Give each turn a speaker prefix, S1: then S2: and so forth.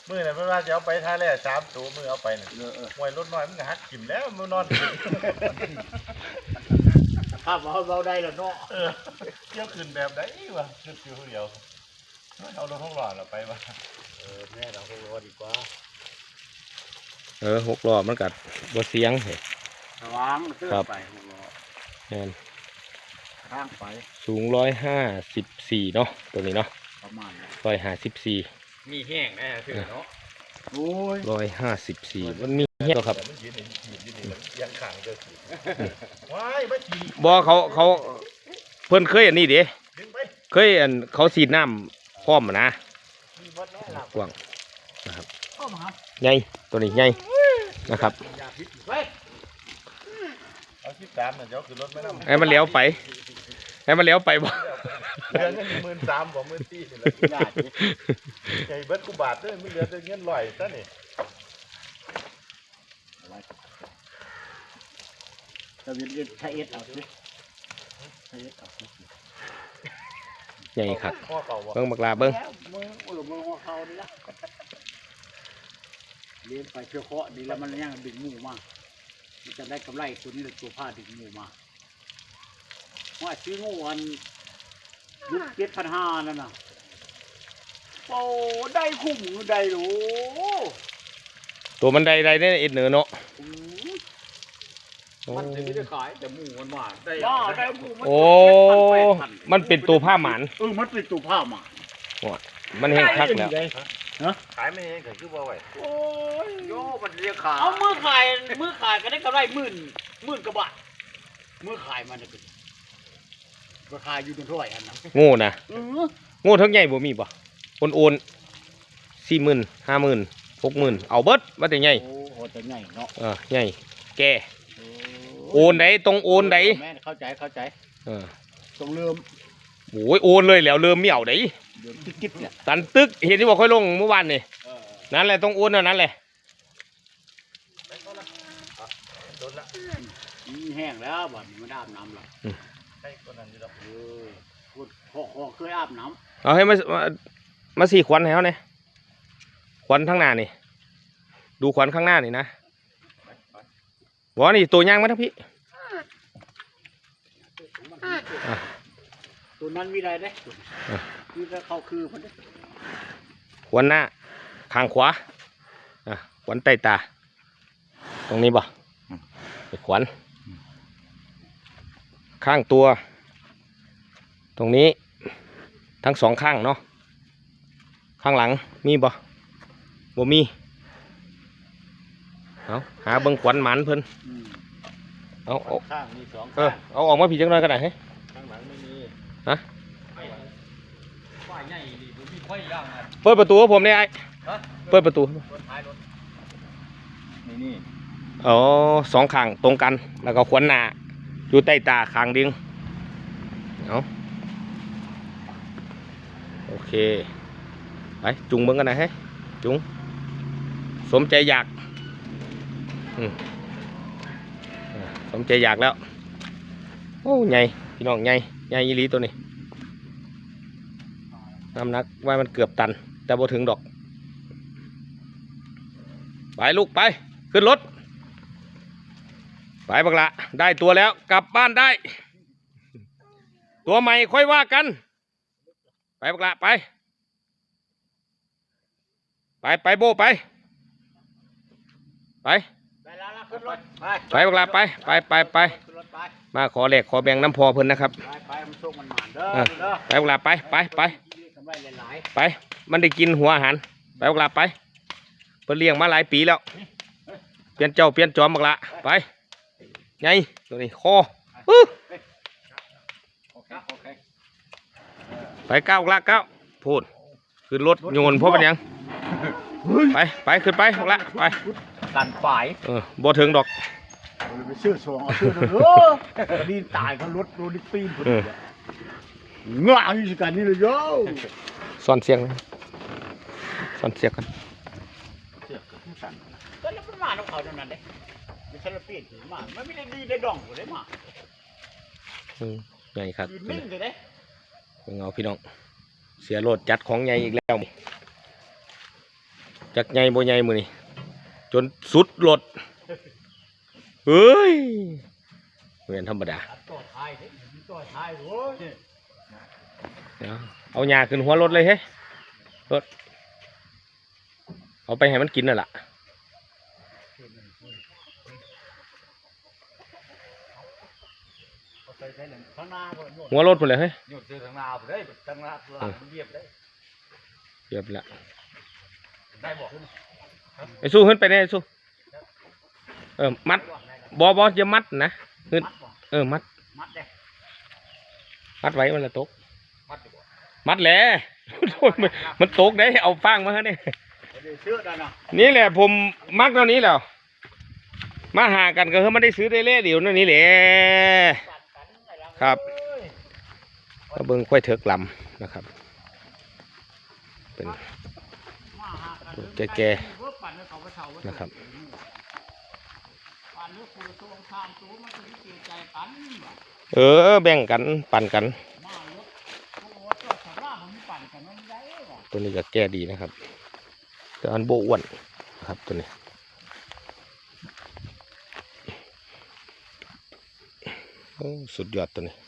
S1: มือเนี่ยไม่ว่าจะเอาไปท่าแร่3 ตัวมือเอาไปเนี่ยมวยรถน้อยมันหักกิ่มแล้วมือนอน
S2: ภาพเราได้แล้วเนาะ
S1: เที่ยวขึ้นแบบไหนวะขึ้นอยู่เดียวเอารถท้องหล่อเราไปวะ
S2: แม่เราก็รอดีกว่า
S3: 6 ล้อมันกัดบ่เสียงเหรอ
S2: วางเตื้อไป6 ล้อ
S3: แม่น
S2: ข้างไป
S3: สูง154เนาะตัวนี้เนาะ
S2: ประมาณ
S3: 154
S2: มีแห้งแน่คือเนาะโอ้
S3: ย154มันมีแห้งครับ
S1: มันยืนยังขังเจอว้ายไม่ฉีด
S3: บ่เขาเพิ่นเคยอันนี้เด้เคยอันเขาฉีดน้ำพร้อมนะกว้างนะครับใหญ่ตัวนี้ใหญ่นะครับ
S1: เอา13เนี่ยเดี๋ยวขึ้นรถไม่นั่ง
S3: ให้มันเลี้ยวไปบ่
S1: เดือนนึง13,000บ่14,000นี่แหละใจเบิดกูบาทเด้อไม่เหลือแต่เงิน100ซะนี่
S2: จะเวียนใช้เอสเอาสิใช้เอสเอา
S3: ใหญ่ครับเบิ่งบักลาเบิ่ง
S2: มือเขานี่ละเลี้ยงไปเชื่อเคาะดีแล้วมันยังดึงหมูมามันจะได้กำไรตัวนี้เลยตัวผ้าดึงหมูมาว่าซื้องูวันยุค7,500นั่นน่ะโอ้ได้คุ้มได้หรู
S3: ตัวมันใดเนี่ยเอ็ดเหนือเนาะ
S2: มันจะไม่ได้ขายแต่หมูมันหวานได้หมู
S3: โอ้มันเป็นตัวผ้าหมาน
S2: มันเป็นตัวผ้าหมาน
S3: มันแห้งคักแล้ว
S1: ขายไม่เองก็คือบ่ไหว
S2: โอ้ยโย่มันเรียกขายเอามือขายก็ได้กำไรหมื่นกว่าบาทมือขายมันเนี่ยราคาอยู่ตรงเท่าไหร่อันนั้น
S3: โง่นะโง่ทั้งใหญ่บ่มีบ่โอน40,000 50,000 60,000เอาเบิดว่าแต่ใหญ่
S2: โอ้แต่ใหญ่เนาะ
S3: ใหญ่แกโอนไหนตรงโอนไหน
S2: แม่เข้าใจตรงเริ่ม
S3: โอ้ยโอนเลยแล้วเริ่มไม่เอาไหน
S2: กิ๊บเนี่ย
S3: ตันตึกเห็นที่บอกค่อยลงเมื่อวานนี่นั่นแหละต้องโอนนั่นแหละ
S2: แห้งแล้วบ่อนมันอาบน้ำหรอ
S1: ใช่คนนั้นอยู่แล้ว
S2: พอเคยอาบน้
S3: ำเอาให้มา4 ขวัญให้เขาเนี่ยขวัญข้างหน้านี่ดูขวัญข้างหน้านี่นะบอกนี่ตัวย่างมาทั้งพี่
S2: ตัวนั้นมีอะไรได้คือเขาคือมัน
S3: ขวัญหน้าข้างขวาขวัญใต้ตาตรงนี้บ่ขวัญข้างตัวตรงนี้ทั้ง2 ข้างเนาะข้างหลังมีบ่มีเอาหาเบิ่งขวัญหมันเพิ่นเอา
S2: ข้างมี2 ข้าง
S3: เอาออกมาผีจังเลยก็ได้ให้
S2: ข้างหลังไม่มี
S3: ฮะ
S2: ฝ่ายใหญ่ดิบ่มีค่อยย่าง
S3: เปิดประตูให้ผมได้ไอ้เปิดประตู
S2: นี่
S3: อ๋อ2 ข้างตรงกันแล้วก็ขวัญหน้าอยู่ใต้ตาข้างดึงเอาโอเคไปจุงเบิ่งกันนะให้จุงสมใจอยากสมใจอยากแล้วโอ้ใหญ่พี่น้องใหญ่ยีรีตัวนี้น้ำหนักว่ามันเกือบตันแต่บ่ถึงดอกไปลูกไปขึ้นรถไปบักละได้ตัวแล้วกลับบ้านได้ตัวใหม่ค่อยว่ากันไปบักละไปโบไปบักละไปมาขอแหลกขอแบ่งน้ำพอเพิ่นนะครับไปบักละไปมันได้กินหัวอาหารไปบักละไปเพิ่นเลี้ยงมาหลายปีแล้วเปลี่ยนจอมบักละไปไงตัวนี้คอไปก้าวบักละก้าวพูดขึ้นรถโยนเพราะเป็นยังไปขึ้นไปบักละไป
S2: กันฝ่าย
S3: บ่ถึงดอก
S2: ไปซื้อสองซื้อดีตายเขารถโดนปีนเงาอยู่สิกันนี่เลยโย่
S3: ซ่อนเสียงกัน
S2: ก็แล้วมันมาต้องเขาเท่านั้นเด้ไม่ใช่ละปีนมาไม่ได้ดีได้ดองเลยมา
S3: ใหญ่ครับ
S2: นิ่งเลยเด้
S3: เงาพี่น้องเสียโหลดจัดของใหญ่อีกแล้วจักใหญ่บ่ใหญ่มือนี่จนสุดรถเฮ้ยเหมือนธรรมดา
S2: ต่อท้ายเฮ้ยต่อท้ายโว้ย
S3: เดี๋ยวเอาหญ้าขึ้นหัวรถเลยเฮ้ยรถเอาไปให้มันกินน่ะล่ะ
S2: ใส่หนึ่งข้างหน้าก่อน
S3: หัวรถพุ่นเลยเฮ้ย
S1: หยุดซื้อทางนาไปได้ทางนาหลังมันเรียบได้
S3: เรียบละ
S1: ได้บอก
S3: ไอ้สู้ขึ้นไปเนี่ยไอ้สู้มัดบอย่ามัดนะขึ้นมัด
S2: มัดเลย
S3: มัดไว้มันละตก
S1: มัดดีกว่า
S3: มัดแหละโอ้ยมันตกได้เอาฟางมาฮะเนี่ย
S2: เชื่อได้นะ
S3: นี่แหละผมมักเท่านี้แล้วมาหากันก็คือไม่ได้ซื้อได้เล่เดี๋ยวนั่นนี่แหละครับก็เบิ้งค่อยเถิกลำนะครับเป็นแก่ๆนะครับแบ่งกันปั่นกันตัวนี้ก็แก่ดีนะครับแต่อันโบอ้วนนะครับตัวนี้โอ้สุดยอดตัวนี้